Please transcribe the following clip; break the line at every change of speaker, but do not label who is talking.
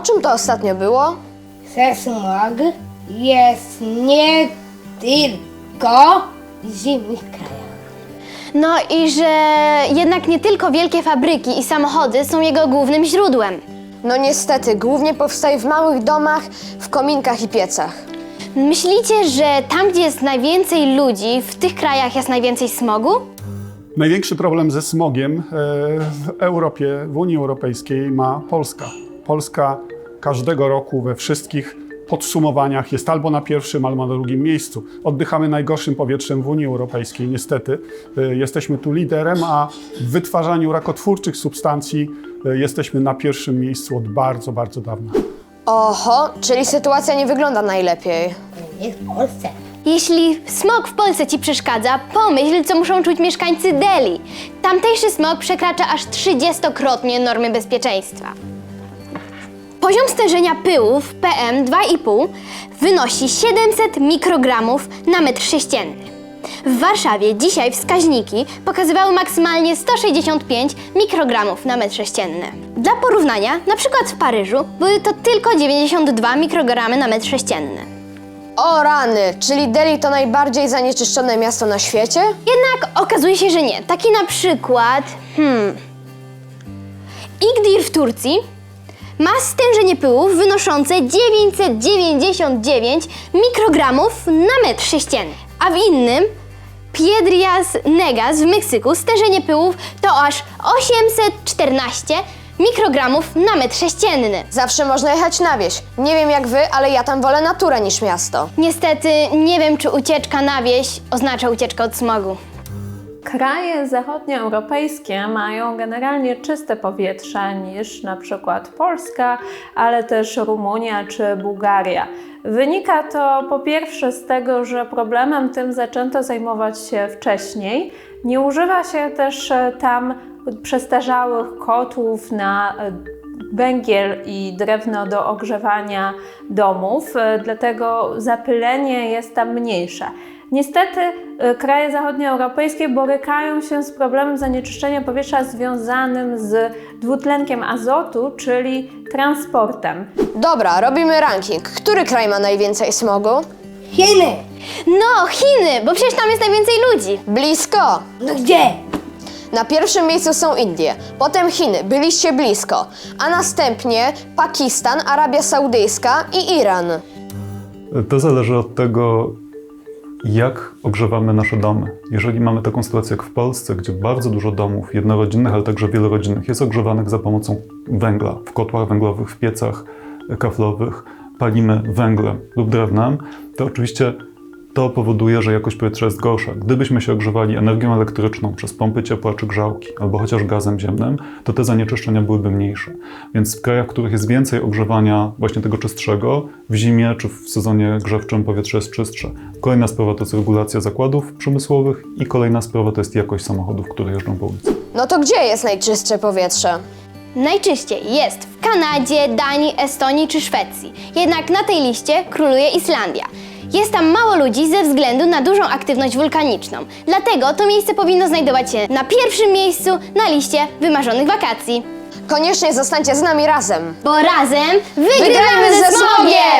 O czym to ostatnio było?
Że smog jest nie tylko w zimnych krajach.
No i że jednak nie tylko wielkie fabryki i samochody są jego głównym źródłem.
No niestety, głównie powstaje w małych domach, w kominkach i piecach.
Myślicie, że tam, gdzie jest najwięcej ludzi, w tych krajach jest najwięcej smogu?
Największy problem ze smogiem w Europie, w Unii Europejskiej ma Polska. Polska każdego roku we wszystkich podsumowaniach jest albo na pierwszym, albo na drugim miejscu. Oddychamy najgorszym powietrzem w Unii Europejskiej, niestety. Jesteśmy tu liderem, a w wytwarzaniu rakotwórczych substancji jesteśmy na pierwszym miejscu od bardzo, bardzo dawna.
Oho, czyli sytuacja nie wygląda najlepiej.
Nie w Polsce.
Jeśli smog w Polsce ci przeszkadza, pomyśl, co muszą czuć mieszkańcy Delhi. Tamtejszy smog przekracza aż 30-krotnie normy bezpieczeństwa. Poziom stężenia pyłów PM2,5 wynosi 700 mikrogramów na metr sześcienny. W Warszawie dzisiaj wskaźniki pokazywały maksymalnie 165 mikrogramów na metr sześcienny. Dla porównania, na przykład w Paryżu były to tylko 92 mikrogramy na metr sześcienny.
O rany, czyli Delhi to najbardziej zanieczyszczone miasto na świecie?
Jednak okazuje się, że nie. Taki na przykład... Igdir w Turcji ma stężenie pyłów wynoszące 999 mikrogramów na metr sześcienny, a w innym Piedras Negras w Meksyku stężenie pyłów to aż 814 mikrogramów na metr sześcienny.
Zawsze można jechać na wieś. Nie wiem jak wy, ale ja tam wolę naturę niż miasto.
Niestety nie wiem, czy ucieczka na wieś oznacza ucieczkę od smogu.
Kraje zachodnioeuropejskie mają generalnie czyste powietrze niż na przykład Polska, ale też Rumunia czy Bułgaria. Wynika to po pierwsze z tego, że problemem tym zaczęto zajmować się wcześniej. Nie używa się też tam przestarzałych kotłów na węgiel i drewno do ogrzewania domów, dlatego zapylenie jest tam mniejsze. Niestety kraje zachodnioeuropejskie borykają się z problemem zanieczyszczenia powietrza związanym z dwutlenkiem azotu, czyli transportem.
Dobra, robimy ranking. Który kraj ma najwięcej smogu?
Chiny!
No, Chiny, bo przecież tam jest najwięcej ludzi.
Blisko!
No gdzie?
Na pierwszym miejscu są Indie, potem Chiny, byliście blisko, a następnie Pakistan, Arabia Saudyjska i Iran.
To zależy od tego, jak ogrzewamy nasze domy. Jeżeli mamy taką sytuację jak w Polsce, gdzie bardzo dużo domów jednorodzinnych, ale także wielorodzinnych jest ogrzewanych za pomocą węgla, w kotłach węglowych, w piecach kaflowych, palimy węglem lub drewnem, to oczywiście to powoduje, że jakość powietrza jest gorsza. Gdybyśmy się ogrzewali energią elektryczną przez pompy ciepła czy grzałki, albo chociaż gazem ziemnym, to te zanieczyszczenia byłyby mniejsze. Więc w krajach, w których jest więcej ogrzewania właśnie tego czystszego, w zimie czy w sezonie grzewczym powietrze jest czystsze. Kolejna sprawa to jest regulacja zakładów przemysłowych i kolejna sprawa to jest jakość samochodów, które jeżdżą po ulicy.
No to gdzie jest najczystsze powietrze?
Najczyściej jest w Kanadzie, Danii, Estonii czy Szwecji. Jednak na tej liście króluje Islandia. Jest tam mało ludzi ze względu na dużą aktywność wulkaniczną. Dlatego to miejsce powinno znajdować się na pierwszym miejscu na liście wymarzonych wakacji.
Koniecznie zostańcie z nami razem.
Bo razem
Wygrajmy
wygramy
ze
ze smogiem!